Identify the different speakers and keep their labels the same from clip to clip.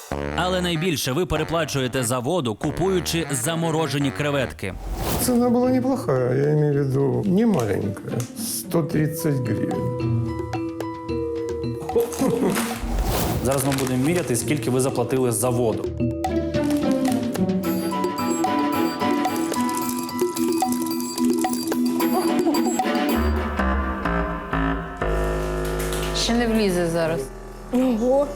Speaker 1: Але найбільше ви переплачуєте за воду, купуючи заморожені креветки.
Speaker 2: Цена была неплохая, я имею в виду не маленькая. 130 гривен.
Speaker 3: Зараз ми будемо міряти, скільки ви заплатили за воду.
Speaker 4: Ще не влізе зараз.
Speaker 5: Ого!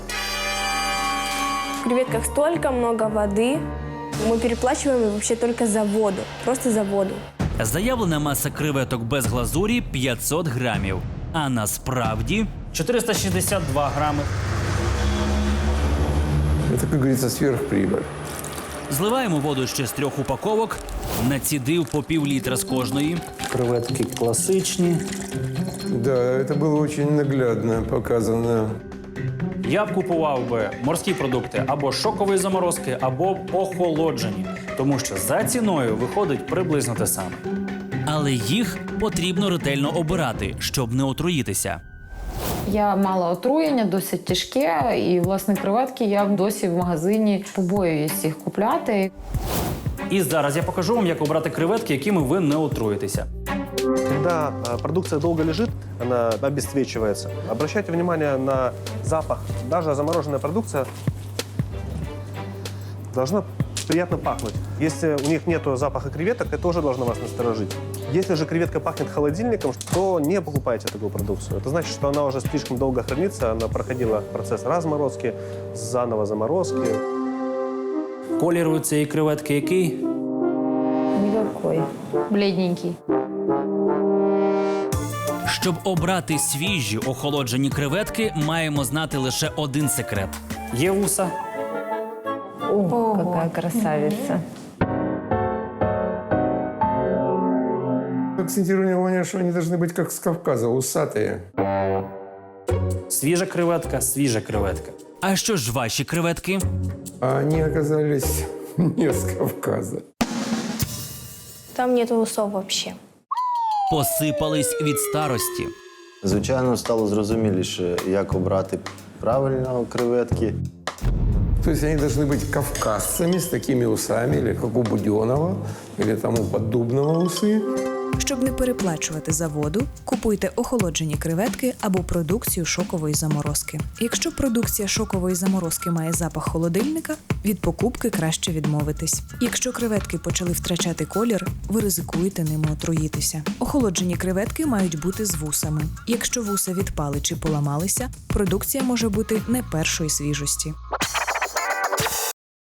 Speaker 5: В креветках столько много воды. Мы переплачиваем вообще только за воду. Просто за воду.
Speaker 1: Заявлена маса креветок без глазурі – 500 грамів. А насправді…
Speaker 3: 462 грами.
Speaker 2: Это, как говорится, сверхприбыль.
Speaker 1: Зливаємо воду ще з 3 упаковок, націдив по пів-літра з кожної.
Speaker 3: Креветки класичні.
Speaker 2: Да, это было очень наглядно показано.
Speaker 3: Я б купував би морські продукти або шокової заморозки, або охолоджені. Тому що за ціною виходить приблизно те саме.
Speaker 1: Але їх потрібно ретельно обирати, щоб не отруїтися.
Speaker 4: Я мала отруєння, досить тяжке, і, власне, креветки я досі в магазині побоююсь їх купляти.
Speaker 3: І зараз я покажу вам, як обрати креветки, якими ви не отруїтеся.
Speaker 6: Когда продукция долго лежит, она обесцвечивается. Обращайте внимание на запах. Даже замороженная продукция должна приятно пахнуть. Если у них нет запаха креветок, это тоже должно вас насторожить. Если же креветка пахнет холодильником, то не покупайте такую продукцию. Это значит, что она уже слишком долго хранится, она проходила процесс разморозки, заново заморозки.
Speaker 3: Колір у цієї креветки який?
Speaker 4: Никакой. Бледненький.
Speaker 1: Щоб обрати свіжі охолоджені креветки, маємо знати лише один секрет.
Speaker 3: Є вуса.
Speaker 4: О, какая красавица.
Speaker 2: Акцентирую внимание, что они должны быть как с Кавказа, усатые.
Speaker 3: Свіжа креветка, свіжа креветка.
Speaker 1: А що ж ваші креветки?
Speaker 2: А они оказались не с Кавказа.
Speaker 5: Там нет усов вообще.
Speaker 1: Посипались від старості.
Speaker 7: Звичайно, стало зрозуміліше, як обрати правильно креветки.
Speaker 2: То есть они должны быть кавказцами с такими усами, или как у Буденова, или там у Поддубного усы.
Speaker 8: Щоб не переплачувати за воду, купуйте охолоджені креветки або продукцію шокової заморозки. Якщо продукція шокової заморозки має запах холодильника, від покупки краще відмовитись. Якщо креветки почали втрачати колір, ви ризикуєте ними отруїтися. Охолоджені креветки мають бути з вусами. Якщо вуса відпали чи поламалися, продукція може бути не першої свіжості.